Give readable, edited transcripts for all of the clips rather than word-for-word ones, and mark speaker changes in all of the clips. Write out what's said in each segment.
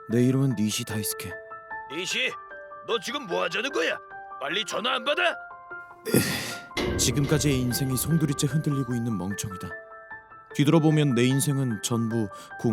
Speaker 1: 내 이름은 니시 다이스케.
Speaker 2: 이시, 너 지금 뭐 하자는 거야? 빨리 전화 안 받아?
Speaker 1: 지금까지의 인생이 송두리째 흔들리고 있는 멍청이다. 뒤돌아보면 내 인생은 전부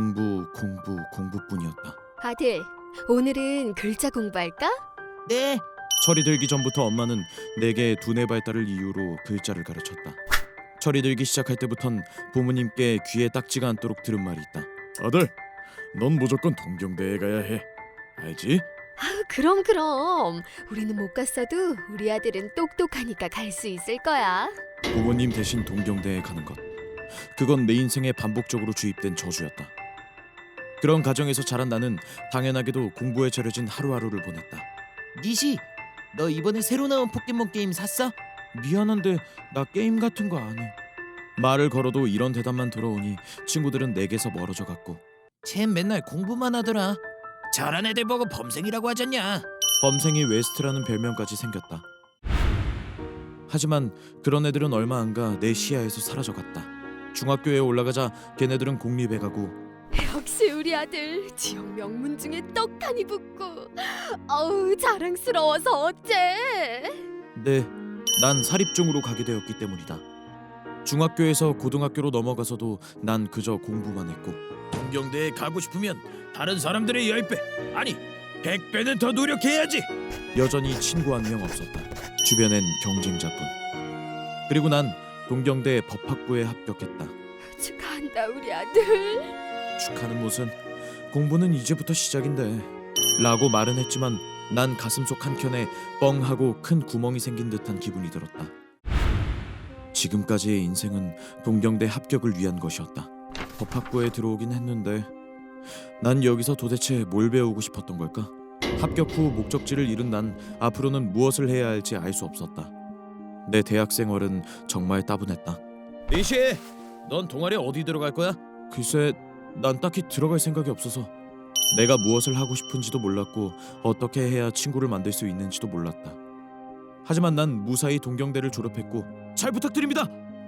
Speaker 1: 공부뿐이었다.
Speaker 3: 아들, 오늘은 글자 공부할까?
Speaker 1: 네. 철이 들기 전부터 엄마는 내게 두뇌 발달을 이유로 글자를 가르쳤다. 철이 들기 시작할 때부턴 부모님께 귀에 딱지가 않도록 들은 말이 있다. 아들, 넌 무조건 동경대에 가야 해. 알지?
Speaker 3: 그럼. 우리는 못 갔어도 우리 아들은 똑똑하니까 갈 수 있을 거야.
Speaker 1: 부모님 대신 동경대에 가는 것. 그건 내 인생에 반복적으로 주입된 저주였다. 그런 가정에서 자란 나는 당연하게도 공부에 절여진 하루하루를 보냈다.
Speaker 4: 니시, 너 이번에 새로 나온 포켓몬 게임 샀어?
Speaker 1: 미안한데 나 게임 같은 거 안 해. 말을 걸어도 이런 대답만 들어오니 친구들은 내게서 멀어져 갔고
Speaker 4: 쟨 맨날 공부만 하더라. 저런 애들 보고 범생이라고 하잖냐.
Speaker 1: 범생이 웨스트라는 별명까지 생겼다. 하지만 그런 애들은 얼마 안 가 내 시야에서 사라져갔다. 중학교에 올라가자 걔네들은 공립에 가고
Speaker 3: 역시 우리 아들 지역 명문 중에 떡하니 붙고 어우 자랑스러워서 어째.
Speaker 1: 네, 난 사립중으로 가게 되었기 때문이다. 중학교에서 고등학교로 넘어가서도 난 그저 공부만 했고
Speaker 2: 동경대에 가고 싶으면 다른 사람들의 10배, 아니 100배는 더 노력해야지.
Speaker 1: 여전히 친구 한 명 없었다. 주변엔 경쟁자뿐. 그리고 난 동경대 법학부에 합격했다.
Speaker 3: 축하한다 우리 아들.
Speaker 1: 축하는 무슨, 공부는 이제부터 시작인데 라고 말은 했지만 난 가슴속 한켠에 뻥하고 큰 구멍이 생긴 듯한 기분이 들었다. 지금까지의 인생은 동경대 합격을 위한 것이었다. 법학부에 들어오긴 했는데 난 여기서 도대체 뭘 배우고 싶었던 걸까? 합격 후 목적지를 잃은 난 앞으로는 무엇을 해야 할지 알 수 없었다. 내 대학 생활은 정말 따분했다.
Speaker 2: 이시, 넌 동아리 어디 들어갈 거야?
Speaker 1: 글쎄, 난 딱히 들어갈 생각이 없어서 내가 무엇을 하고 싶은지도 몰랐고 어떻게 해야 친구를 만들 수 있는지도 몰랐다. 하지만 난 무사히 동경대를 졸업했고 잘 부탁드립니다.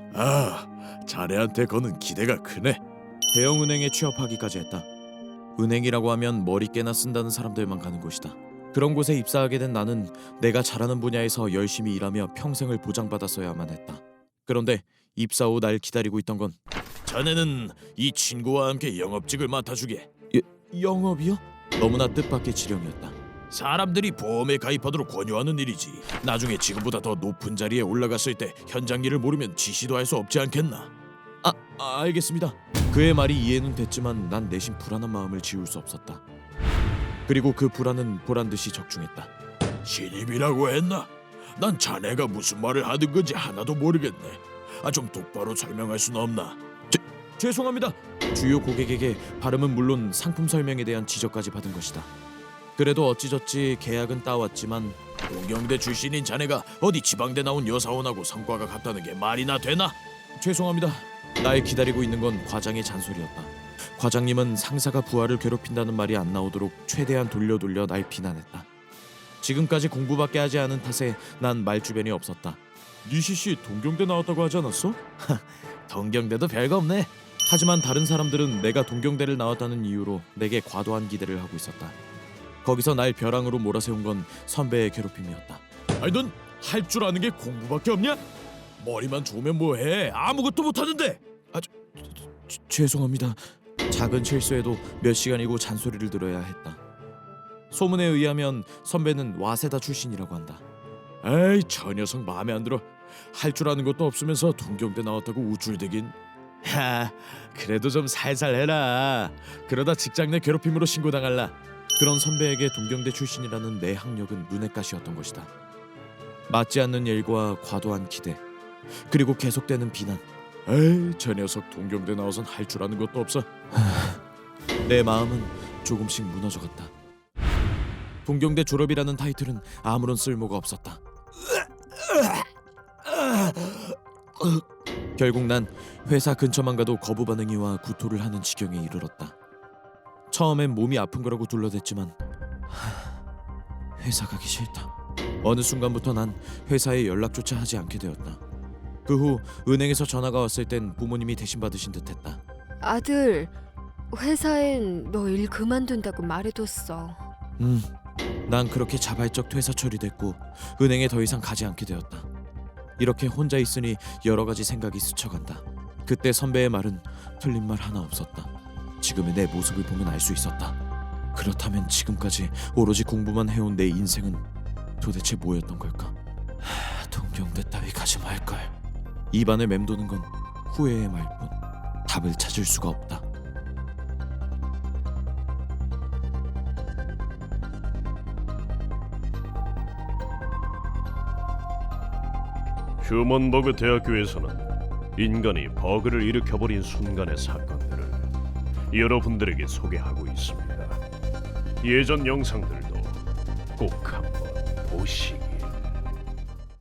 Speaker 2: 자네한테 거는 기대가 크네.
Speaker 1: 대형은행에 취업하기까지 했다. 은행이라고 하면 머리 깨나 쓴다는 사람들만 가는 곳이다. 그런 곳에 입사하게 된 나는 내가 잘하는 분야에서 열심히 일하며 평생을 보장받았어야만 했다. 그런데 입사 후 날 기다리고 있던 건
Speaker 2: 자네는 이 친구와 함께 영업직을 맡아주게.
Speaker 1: 영업이요? 너무나 뜻밖의 지령이었다.
Speaker 2: 사람들이 보험에 가입하도록 권유하는 일이지. 나중에 지금보다 더 높은 자리에 올라갔을 때 현장 일을 모르면 지시도 할 수 없지 않겠나?
Speaker 1: 알겠습니다. 그의 말이 이해는 됐지만 난 내심 불안한 마음을 지울 수 없었다. 그리고 그 불안은 보란듯이 적중했다.
Speaker 2: 신입이라고 했나? 난 자네가 무슨 말을 하는 건지 하나도 모르겠네. 좀 똑바로 설명할 수는 없나?
Speaker 1: 죄송합니다. 주요 고객에게 발음은 물론 상품 설명에 대한 지적까지 받은 것이다. 그래도 어찌저찌 계약은 따왔지만
Speaker 2: 동경대 출신인 자네가 어디 지방대 나온 여사원하고 성과가 같다는 게 말이나 되나?
Speaker 1: 죄송합니다. 날 기다리고 있는 건 과장의 잔소리였다. 과장님은 상사가 부하를 괴롭힌다는 말이 안 나오도록 최대한 돌려 날 비난했다. 지금까지 공부밖에 하지 않은 탓에 난 말주변이 없었다. 니시씨 동경대 나왔다고 하지 않았어?
Speaker 2: 동경대도 별거 없네.
Speaker 1: 하지만 다른 사람들은 내가 동경대를 나왔다는 이유로 내게 과도한 기대를 하고 있었다. 거기서 날 벼랑으로 몰아세운 건 선배의 괴롭힘이었다.
Speaker 2: 넌 할 줄 아는 게 공부밖에 없냐? 머리만 좋으면 뭐해? 아무것도 못하는데.
Speaker 1: 죄송합니다. 작은 실수에도 몇 시간이고 잔소리를 들어야 했다. 소문에 의하면 선배는 와세다 출신이라고 한다.
Speaker 2: 에이, 저 녀석 마음에 안 들어. 할 줄 아는 것도 없으면서 동경대 나왔다고 우쭐대긴. 그래도 좀 살살 해라. 그러다 직장 내 괴롭힘으로 신고당할라.
Speaker 1: 그런 선배에게 동경대 출신이라는 내 학력은 눈엣가시였던 것이다. 맞지 않는 일과 과도한 기대, 그리고 계속되는 비난.
Speaker 2: 에이, 저 녀석 동경대 나와선 할 줄 아는 것도 없어.
Speaker 1: 내 마음은 조금씩 무너져갔다. 동경대 졸업이라는 타이틀은 아무런 쓸모가 없었다. 결국 난 회사 근처만 가도 거부 반응이 와 구토를 하는 지경에 이르렀다. 처음엔 몸이 아픈 거라고 둘러댔지만 회사 가기 싫다. 어느 순간부터 난 회사에 연락조차 하지 않게 되었다. 그 후 은행에서 전화가 왔을 땐 부모님이 대신 받으신 듯했다.
Speaker 3: 아들, 회사엔 너 일 그만둔다고 말해뒀어.
Speaker 1: 난 그렇게 자발적 퇴사 처리됐고 은행에 더 이상 가지 않게 되었다. 이렇게 혼자 있으니 여러 가지 생각이 스쳐간다. 그때 선배의 말은 틀린 말 하나 없었다. 지금의 내 모습을 보면 알 수 있었다. 그렇다면 지금까지 오로지 공부만 해온 내 인생은 도대체 뭐였던 걸까? 동경대 따위 가지 말걸. 입안에 맴도는 건 후회의 말뿐. 답을 찾을 수가 없다.
Speaker 5: 휴먼버그 대학교에서는 인간이 버그를 일으켜버린 순간의 사건들을 여러분들에게 소개하고 있습니다. 예전 영상들도 꼭 한번 보시고